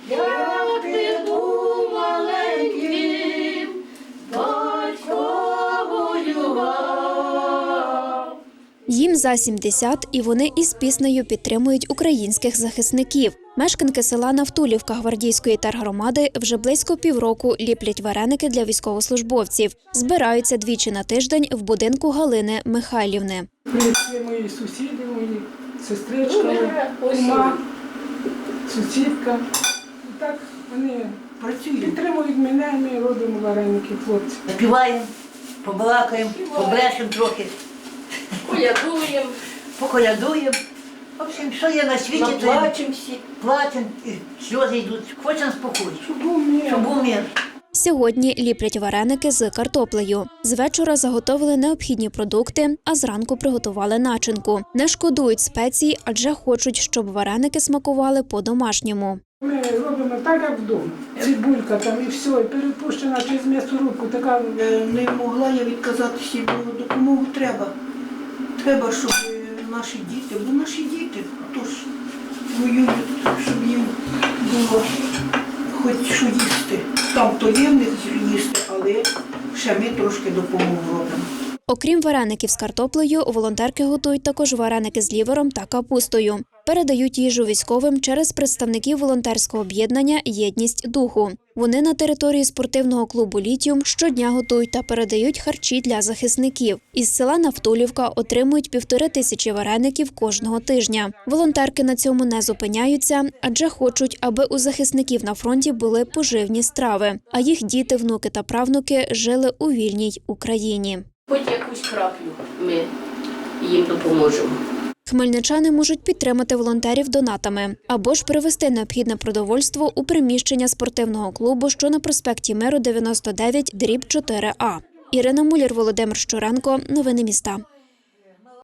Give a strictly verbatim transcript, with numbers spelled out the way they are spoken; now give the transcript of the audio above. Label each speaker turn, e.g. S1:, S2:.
S1: Як ти був маленьким, батько воював.
S2: Їм за сімдесят, і вони із піснею підтримують українських захисників. Мешканки села Навтулівка Гвардійської тергромади вже близько півроку ліплять вареники для військовослужбовців. Збираються двічі на тиждень в будинку Галини Михайлівни.
S3: Прийшли мої сусіди, мої сестричка, кума, сусідка. І так вони підтримують мене, ми робимо вареники, хлопці.
S4: Співаємо, побалакаємо, побрешемо трохи,
S1: Колядуємо,
S4: поколядуємо. В общем, що є на світі, то є.
S1: наплачемо всі.
S4: Плачемо, і сльози йдуть. Хочемо спокою,
S3: Щоб був мир.
S4: щоб був мир.
S2: Сьогодні ліплять вареники з картоплею. З вечора заготовили необхідні продукти, а зранку приготували начинку. Не шкодують спецій, адже хочуть, щоб вареники смакували по-домашньому.
S3: Ми робимо так, як вдома. Цибулька там і все, і перепущена через м'ясорубку, така.
S5: Не могла я відказатися, бо допомогу треба. Треба, щоб наші діти, бо наші діти тож воюють, щоб їм було хоч що їсти. Там то є в них їсти, але ще ми трошки допомогу робимо.
S2: Окрім вареників з картоплею, волонтерки готують також вареники з лівером та капустою. Передають їжу військовим через представників волонтерського об'єднання «Єдність духу». Вони на території спортивного клубу «Літіум» щодня готують та передають харчі для захисників. Із села Навтулівка отримують півтори тисячі вареників кожного тижня. Волонтерки на цьому не зупиняються, адже хочуть, аби у захисників на фронті були поживні страви, а їх діти, внуки та правнуки жили у вільній Україні.
S1: Хоч якусь краплю ми їм допоможемо.
S2: Хмельничани можуть підтримати волонтерів донатами або ж привезти необхідне продовольство у приміщення спортивного клубу, що на проспекті Миру дев'яносто дев'ять дріб чотири А. Ірина Муляр, Володимир Щуренко. Новини міста.